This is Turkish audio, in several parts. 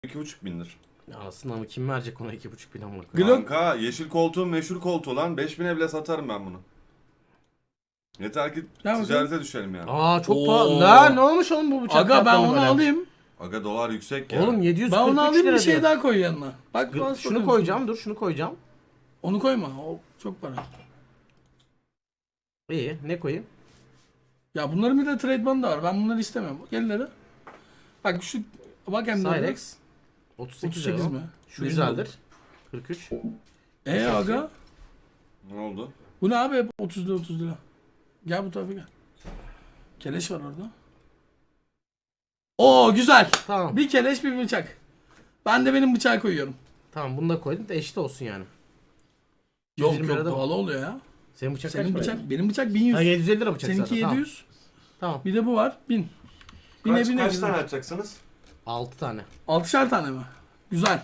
2,5 bindir. Ya aslında ama kim verecek ona 2,5 bin amına Glock. Kanka yeşil koltuğun meşhur koltuğu lan. 5.000'e bile satarım ben bunu. Yeter ki Ya ticarete düşelim yani. Aa çok Oo. pahalı. Ne olmuş oğlum bu bıçak? Aga ben fiyatları onu böyle? alayım. Aga dolar yüksek ya. Oğlum 743 Ben onu alayım lira bir şey diyor. daha koy yanına. Bak bana Şunu soruyorsun. koyacağım, dur şunu koyacağım. Onu koyma. O çok para. İyi, ne koyayım? Ya bunların bir de trade bandı var. Ben bunları istemiyorum. Gelleri. Bak şu bak hem de. Cyrex 38 38 lira. mi? Şu Benim güzeldir. 43. Aga. Ne oldu? Bu ne abi? Hep 30 lira 30 lira. Gel bu tarafa gel. Keleş var orada. Oo güzel. Tamam. Bir keleş bir bıçak. Ben de benim bıçağı koyuyorum. Tamam bunu da koydum da eşit olsun yani. Yok 120 yok lirada pahalı oluyor ya. Senin bıçak Senin kaç para? bıçak, benim bıçak 1100. Ha 750 lira bıçak Seninki zaten. 700. Tamam. Bir de bu var 1000. Bine bine. Kaç tane açacaksınız? 6 tane. 6'şar tane mi? Güzel.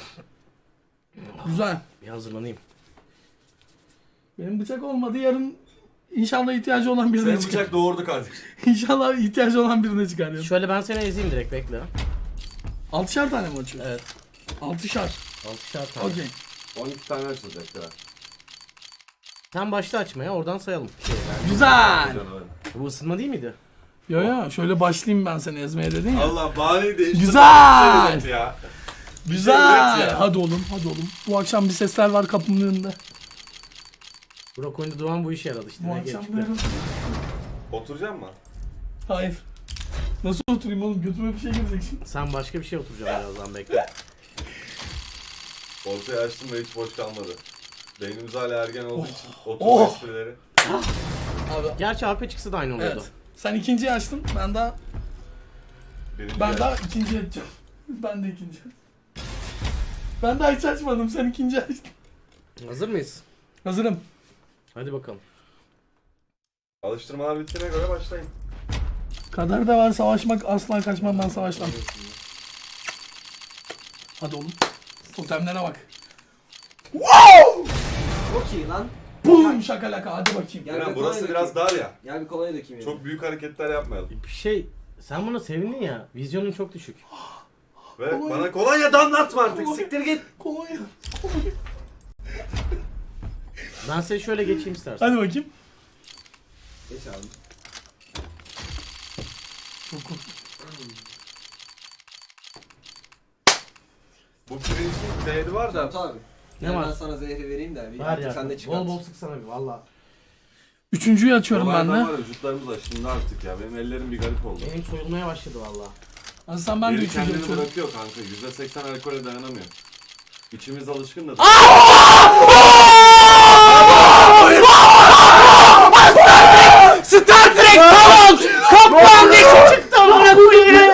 Güzel. Bir hazırlanayım. Benim bıçak olmadı yarın inşallah ihtiyacı olan birine Senin çıkar. bıçak doğurdu kardeşim. İnşallah ihtiyacı olan birine çıkar yarın. Şöyle ben seni ezeyim direkt bekle. 6'şar tane mi açıyor? Evet. 6'şar. 6'şar tane. Okey. 12 tane açılacak ya. Sen başla açmaya oradan sayalım. Güzel. Bu ısınma değil miydi? Yo yo şöyle başlayayım ben seni ezmeye dedin ya. Allah bahaneyi değiştir. Güzel. Ya. Güzel. Evet ya. Hadi oğlum hadi oğlum. Bu akşam bir sesler var kapımın önünde. Burak oyunda Doğan bu işe yaradı işte. Bu Ne akşam geçti? böyle. Oturacak mı? Hayır. Nasıl oturayım oğlum? Götüme bir şey girecek şimdi. Sen başka bir şey oturacaksın birazdan bekle. Ortaya açtım ve hiç boş kalmadı. Beynimiz hala ergen olduğu için oturma Oh. esprileri. Abi. Gerçi AP çıksa da aynı oluyordu. Evet. Sen ikinciyi açtın. Ben daha Birinci ben yer. daha ikinciyi açacağım. Ben de ikinci. Ben daha hiç açmadım. Sen ikinci açtın. Hazır mıyız? Hazırım. Hadi bakalım. Alıştırmalar bittiğine göre başlayın. Kadar da var savaşmak asla kaçmam ben savaştan. Hadi oğlum. Totemlere bak. Wow! Çok iyi lan. Bum şakalaka hadi bakayım. Gel Eren, bir burası kolay biraz dökeyim. dar ya. Gel bir kolaya dökeyim. Çok büyük hareketler yapmayalım. Bir şey, sen buna sevindin ya. Vizyonun çok düşük. Ve Kolonya. bana kolonya damlatma artık. Kolonya. Siktir git. Kolonya. Ben seni şöyle geçeyim istersen. Hadi bakayım. Geç abi. Çok korktum. Bu pirincin değeri var da. Tamam abi. Ne Gel var? Ben sana zehri vereyim de. Bir Ver artık ya. sen de çıkart. Bol bol sıksana bir valla. Üçüncüyü açıyorum ben Dolardan de. var ya, vücutlarımız aşındı artık ya. Benim ellerim bir garip oldu. Benim soyulmaya başladı valla. Hasan ben de Biri üçüncü kendini açıyorum. bırakıyor kanka. %80 alkole dayanamıyor. İçimiz alışkın da. Star Trek tamam! Kaplan dişi çıktı amına koyayım!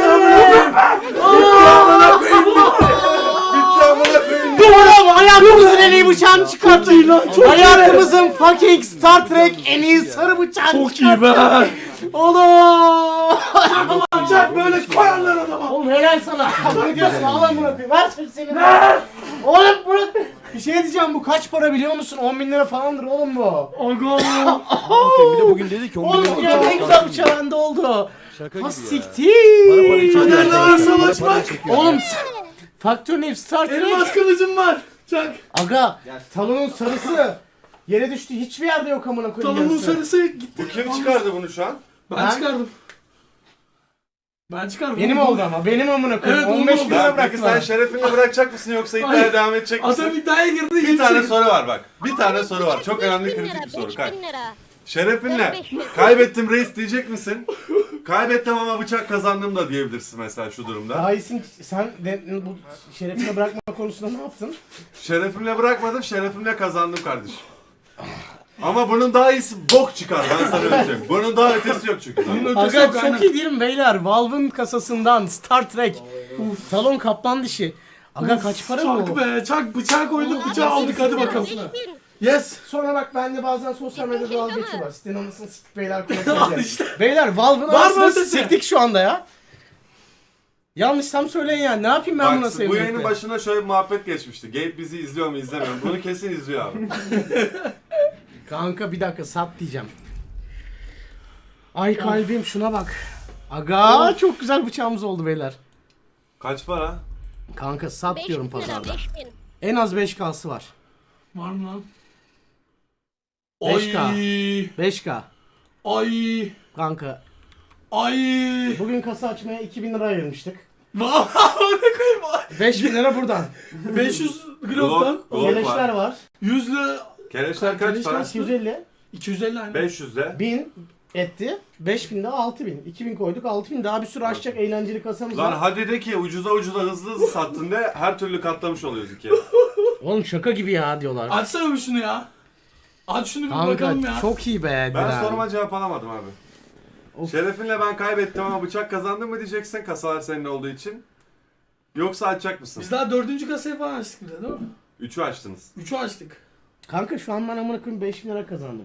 Doğru hayatımızın en iyi bıçağını çıkarttı. Hayatımızın fucking Star Trek en iyi sarı bıçağını Çok iyi be. Oğlum! Bıçak böyle koyarlar adama. Oğlum helal sana. Ne diyorsun? Allah'ım bırakayım. Ver seni. Oğlum bırak. Bir şey diyeceğim, bu kaç para biliyor musun? 10 bin lira falandır oğlum bu. Aga. Bir de bugün dedi ki 10 Oğlum ya ne güzel bıçağı bende oldu. Şaka Ha gibi ya. siktir. Kaderle var savaşmak. Oğlum Faktör Nef Star Elmas Trek. kılıcım var. Çak. Aga Gel. talonun sarısı. Yere düştü, hiçbir yerde yok amına koyayım. Talonun yarısı. sarısı gitti. Bu kim çıkardı bunu şu an? Ben çıkardım. Ben çıkardım. Benim oldu ama benim amına koyayım. Evet, 15 oldu. bin lira Ya peki bıraktılar. sen şerefinle bırakacak mısın yoksa iddiaya Hayır. devam edecek misin? Adam iddiaya girdi. Bir tane soru. soru var bak. Bir tane soru var. Çok önemli kritik bir soru. 5000 Kay. lira. Şerefinle 5.000. kaybettim reis diyecek misin? Kaybettim ama bıçak kazandım da diyebilirsin mesela şu durumda. Daha iyisin, sen de bu şerefine bırakma konusunda ne yaptın? Şerefimle bırakmadım, şerefimle kazandım kardeşim. Ama bunun daha iyisi bok çıkar ben sana öyle söyleyeyim. Bunun daha ötesi yok çünkü. Bunun ötesi Aga yok çok aynen. iyi değil mi beyler? Valve'ın kasasından Star Trek. Talon kaplan dişi. Aga kaç para Çak bu? be çak bıçağı koyduk bıçağı aldık hadi bakalım. 5000. Yes. Sonra bak bende bazen sosyal medyada dalga geçiyorlar. Sitenin anasını siktik beyler Al konuşuyor. işte. Beyler Valve'ın Var mı anasını ötesi? siktik şu anda ya. Yanlışsam söyleyin yani. Ne yapayım ben buna Bak bu sevmekle? yayının başına şöyle bir muhabbet geçmişti. Gabe bizi izliyor mu izlemiyor mu? Bunu kesin izliyor abi. Kanka bir dakika sat diyeceğim. Ay kalbim şuna bak. Aga çok güzel bıçağımız oldu beyler. Kaç para? Kanka sat 5 diyorum lira pazarda. 5000. En az 5K'sı var. Var mı lan? 5K. Ay. 5K. Ay. Kanka Ay. bugün kasa açmaya 2000 lira ayırmıştık. Vallahi ne koyayım? 5000 lira buradan. 500 Glock'tan. Glock Keleşler var. var. 100'lü Keleşler kaç para? 250. 250 aynı. 500'de. 1000 etti. 5000 de 6000. 2000 koyduk 6000 daha bir sürü açacak eğlenceli kasamız Lan var. hadi de ki ucuza hızlı sattın de her türlü katlamış oluyoruz ikiye. Oğlum şaka gibi ya diyorlar. Açsana bir şunu ya. Aç şunu bir bakalım Kanka ya. çok iyi be. Ben Diren. soruma cevap alamadım abi. Of. Şerefinle ben kaybettim ama bıçak kazandım mı diyeceksin kasalar senin olduğu için. Yoksa açacak mısın? Biz daha 4. kasayı falan açtık bir de değil mi? 3'ü açtınız. 3'ü açtık. Kanka şu an ben amına koyayım 5000 lira kazandım.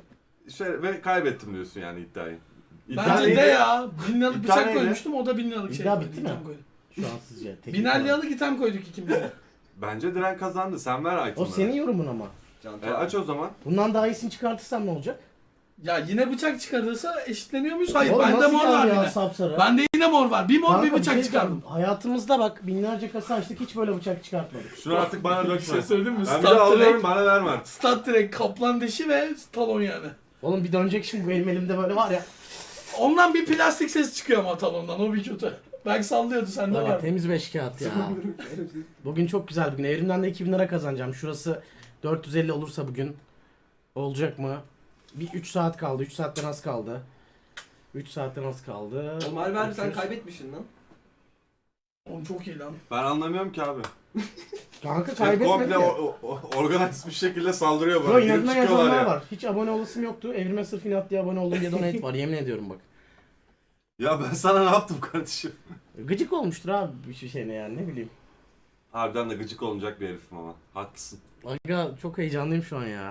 Ve kaybettim diyorsun yani iddiayı. Bence neydi? de ya. 1000 liralık İddia bıçak neydi? koymuştum o da 1000 liralık şey. İddia koydu, bitti mi? item koydu. Şu an sizce. teknik 1000 olarak. liralık item koyduk ikimiz de. Bence Diren kazandı. Sen ver O itemları. senin yorumun ama. Aç o zaman. Bundan daha iyisini çıkartırsam ne olacak? Ya yine bıçak çıkarırsa eşitleniyor muyuz? Hayır Oğlum bende nasıl mor var geldi ya yine. sapsarı? Bende yine mor var. Bir mor Kanka, bir bıçak şey çıkardım. diyeceğim, Hayatımızda bak binlerce kasa açtık hiç böyle bıçak çıkartmadık. Şunu artık bana Bir dökme. şey söyleyeyim mi? Ben bir de alıyorum bana verme. Stat direkt kaplan dişi ve talon yani. Oğlum bir dönecek şimdi bu benim elimde böyle var ya. Ondan bir plastik ses çıkıyor ama talondan o bir kötü. Belki sallıyordu sende Var var. temiz 5 kağıt ya. Bugün çok güzel bir gün. Evrimden de 2000 lira kazanacağım. Şurası 450 olursa bugün. Olacak mı? Bir 3 saat kaldı. 3 saatten az kaldı. 3 saatten az kaldı. Oğlum harbi sen Bakıyoruz. kaybetmişsin lan. Oğlum çok iyi lan. Ben anlamıyorum ki abi. Kanka Şey, kaybetmedi komple ya. organize bir şekilde saldırıyor Yo bana. Girip inadına çıkıyorlar yazanlar ya. var. Hiç abone olasım yoktu. Evrime sırf inat diye abone oldum diye donate var. Yemin ediyorum bak. Ya ben sana ne yaptım kardeşim? Gıcık olmuştur abi bir şeyine yani ne bileyim. Harbiden de gıcık olunacak bir herifim ama. Haklısın. Aga çok heyecanlıyım şu an ya.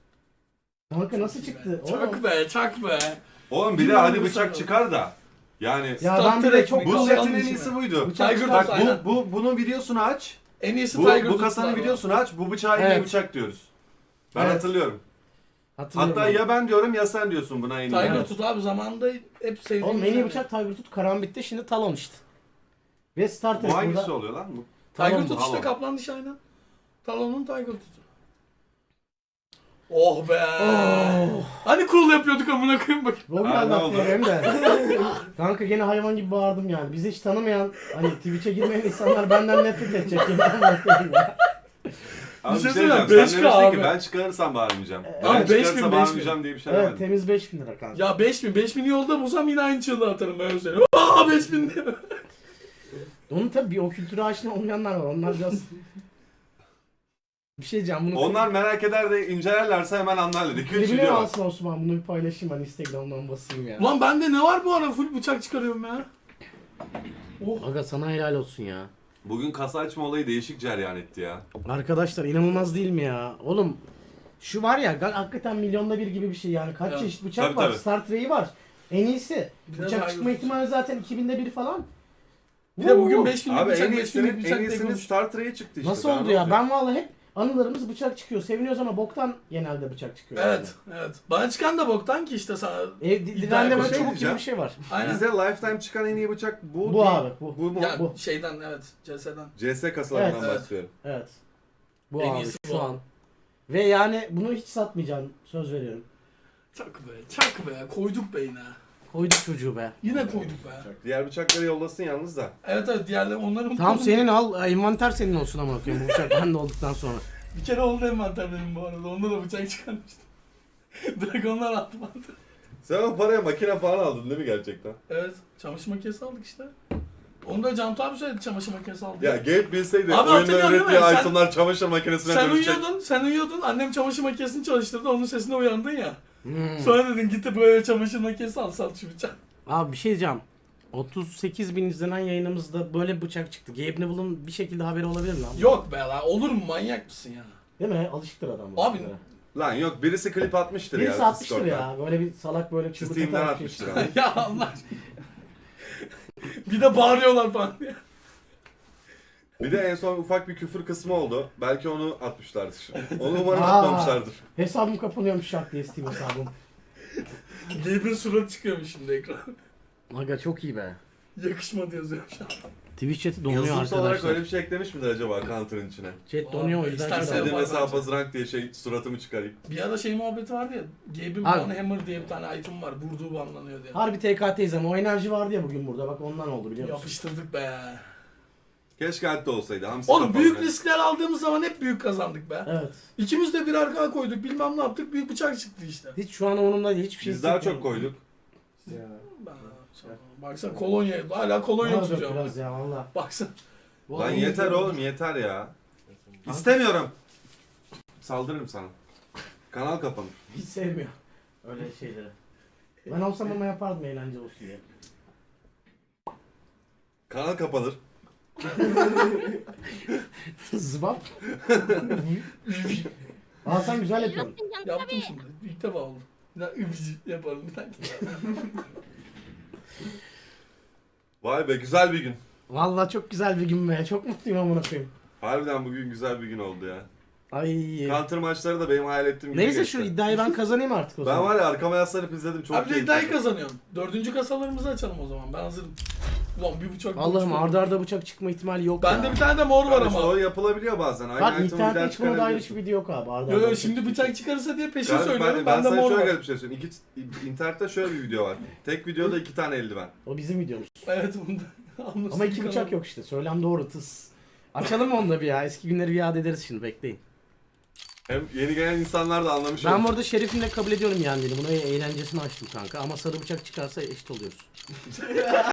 Kanka nasıl çıktı? Oğlum. Çak be çak be. Oğlum bir de Kim hadi alıyor bıçak sana? çıkar da. Yani Ya Stop ben bir de direkt çok mi? bu Kalkan setin en dişi iyisi mi? buydu. Bıçak Tiger çıkar- Tooth aynen. Bunun videosunu aç. En iyisi Bu, Tiger bu Tooth kasanın var. videosunu aç. Bu bıçağı en iyi Evet. bıçak diyoruz. Ben Evet. hatırlıyorum. Hatırlıyorum Hatta abi. ya ben diyorum ya sen diyorsun buna en iyi. Tiger Evet. Tooth abi zamanında hep sevdiğim. Oğlum en iyi bıçak Tiger Tooth Karambit'te şimdi Talon işte. Ve Star Trek Bu hangisi burada. oluyor lan? Bu? Tiger Talon bu. Tooth işte Talon. kaplan dişi aynen. Talon'un Tiger Tooth'u. Oh be. Oh. Hani cool yapıyorduk amına koyayım bak. Bugün Ha, ne anlattım oldu? hem de. Kanka gene hayvan gibi bağırdım yani. Bizi hiç tanımayan, hani Twitch'e girmeyen insanlar benden nefret edecek. Yine anlatayım ya. Abi Bir şey diyeceğim, söyleyeyim, sen 5K demiştin ki abi. ben çıkarırsam bağırmayacağım. Abi Ben 5.000, çıkarsa bağırmayacağım diye bir şey Evet demedim. temiz 5000 lira kanka. Ya 5000 yolda bulsam yine aynı çığlığı atarım ben söyleyeyim. Aa 5000 diye. Onun tabii bir o kültüre aşina olmayanlar var. Onlar biraz... Bir şey diyeceğim bunu... Onlar merak eder de incelerlerse hemen anlarlar. 2-3 Klibine video var. alsın Osman bunu bir paylaşayım ben Instagram'dan basayım ya. Ulan bende ne var bu ara full bıçak çıkarıyorum ya. Oh. Aga sana helal olsun ya. Bugün kasa açma olayı değişik cereyan etti ya. Arkadaşlar inanılmaz değil mi ya? Oğlum şu var ya hakikaten milyonda bir gibi bir şey yani. Kaç Evet. çeşit bıçak Tabii, var. tabii. Star Trek'i var. En iyisi. Bir de Bıçak Tiger çıkma Tooth. ihtimali zaten 2000'de bir falan. Bir de bugün Woo! 5000 Abi bıçak en 5000 iyisini, bıçak en diye iyisini konuştuk. Star Trek'e çıktı işte. Nasıl daha oldu ne ya? olacak? Ben vallahi hep anılarımız bıçak çıkıyor. Seviniyoruz ama boktan genelde bıçak çıkıyor. Evet, evet. Bana çıkan da boktan ki işte sana. Diren'de böyle şey çubuk gibi diyeceğim. bir şey var. Aynen. Bize Lifetime çıkan en iyi bıçak bu Bu değil. abi, bu. mu? Ya bu. şeyden evet, CS'den. CS kasalarından Evet. bahsediyorum. Evet. Bu En abi iyisi şu bu. an. Ve yani bunu hiç satmayacağım. Söz veriyorum. Çak be, çak be. Koyduk be yine. Koyduk çocuğu be. Yine koyduk be. Diğer bıçakları yollasın yalnız da. Evet evet diğerleri onların Tamam senin al, envanter senin olsun ama bakıyorum bu bıçak bende olduktan sonra. Bir kere oldu envanter benim bu arada. Onda da bıçak çıkarmıştım. Dragonlar attı bana. Sen o paraya makine falan aldın değil mi gerçekten? Evet, çamaşır makinesi aldık işte. Onu da Cantu abi söyledi çamaşır makinesi aldı. Ya Gabe bilseydi Abi oyunda hatırlıyor musun? ürettiği Sen- itemlar çamaşır makinesine sen dönüşecek. uyuyordun. Annem çamaşır makinesini çalıştırdı. Onun sesine uyandın ya. Hmm. Sonra dedin gitti böyle çamaşır makinesi al sat şu bıçak. Abi bir şey diyeceğim. 38 bin izlenen yayınımızda böyle bir bıçak çıktı. Gabe Neville'ın bir şekilde haberi olabilir mi lan? Yok be lan olur mu manyak mısın ya? Değil mi? Alışıktır adam. bu Abi, işlere. Lan yok birisi klip atmıştır Birisi ya. atmıştır Discord'dan. ya. Böyle bir salak böyle çubuk Steam'den atar bir şey. atmıştır abi. Ya Allah aşkına. Bir de bağırıyorlar falan diye. Bir de en son ufak bir küfür kısmı oldu. Belki onu atmışlardır. Onu umarım Aa. atmamışlardır. Hesabım kapanıyormuş şak diye Steam hesabım. Gabe'in suratı çıkıyormuş şimdi ekran. Aga çok iyi be. Yakışmadı yazıyor şu an. Twitch chat'i donuyor Yazılımsal olarak arkadaşlar. öyle bir şey eklemiş midir acaba Counter'ın içine? Chat donuyor o yüzden. İstersen şey İstediğim yaparlar. hesabı rank diye suratımı çıkarayım. Bir ara şey muhabbeti vardı ya. Gabe'in Abi- Banhammer diye bir tane item var. Vurduğu banlanıyor diye. Harbi TKT'yiz ama o enerji vardı ya bugün burada. Bak ondan oldu biliyor musun? Yapıştırdık be. Keşke hatta olsaydı. Hamsi Oğlum kafalı büyük ben. riskler aldığımız zaman hep büyük kazandık be. Evet. İkimiz de bir arka koyduk. Bilmem ne yaptık. Büyük bıçak çıktı işte. Hiç şu an onunla hiçbir şey Biz daha çok hissetmiyorum. koyduk. Ya. Baksana kolonya. Hala kolonya Var tutuyor. biraz ya valla. Baksana. Lan yeter oğlum yeter ya. İstemiyorum. Saldırırım sana. Kanal kapanır. Hiç sevmiyor öyle şeyleri. Ben olsam ama yapardım eğlence olsun diye. Kanal kapanır. Zıbap. Aa sen güzel yapıyorsun. Yaptım şimdi. İlk defa oldu. Bir daha übücü yaparım. Bir dakika. Vay be güzel bir gün. Valla çok güzel bir gün be. Çok mutluyum amına koyayım. Harbiden bugün güzel bir gün oldu ya. Ay. Counter maçları da benim hayal ettiğim gibi Neyse geçti. şu iddiayı ben kazanayım artık o Ben zaman. var ya arkama yaslanıp izledim çok Abi de iddiayı keyifli. kazanıyorum. 4. kasalarımızı açalım o zaman. Ben hazırım. Ulan bir bıçak. Allah'ım boş arda arda bıçak çıkma ihtimali yok Bende ya. bir tane de mor var Kardeş, ama. o yapılabiliyor bazen. Aynı Bak item'ı bir daha internette hiç buna dair çıkarabiliyorsun. hiçbir video yok abi. Arda Yo arda yo bıçak şimdi çıkıyor. bıçak çıkarırsa diye peşin Kardeş, söylüyorum. ben Bende sana mor şöyle var. garip bir şey söyleyeyim. İnternette şöyle bir video var. Tek videoda 2 tane eldiven. O bizim videomuz. Evet bunda. Ama iki bıçak yok işte. Söylem doğru tıs. Açalım onu da bir ya. Eski günleri bir yad ederiz şimdi bekleyin. Hem yeni gelen insanlar da anlamış Ben olur. bu arada Şerif'imle kabul ediyorum yani. Bunu eğlencesini açtım kanka. Ama sarı bıçak çıkarsa eşit oluyoruz.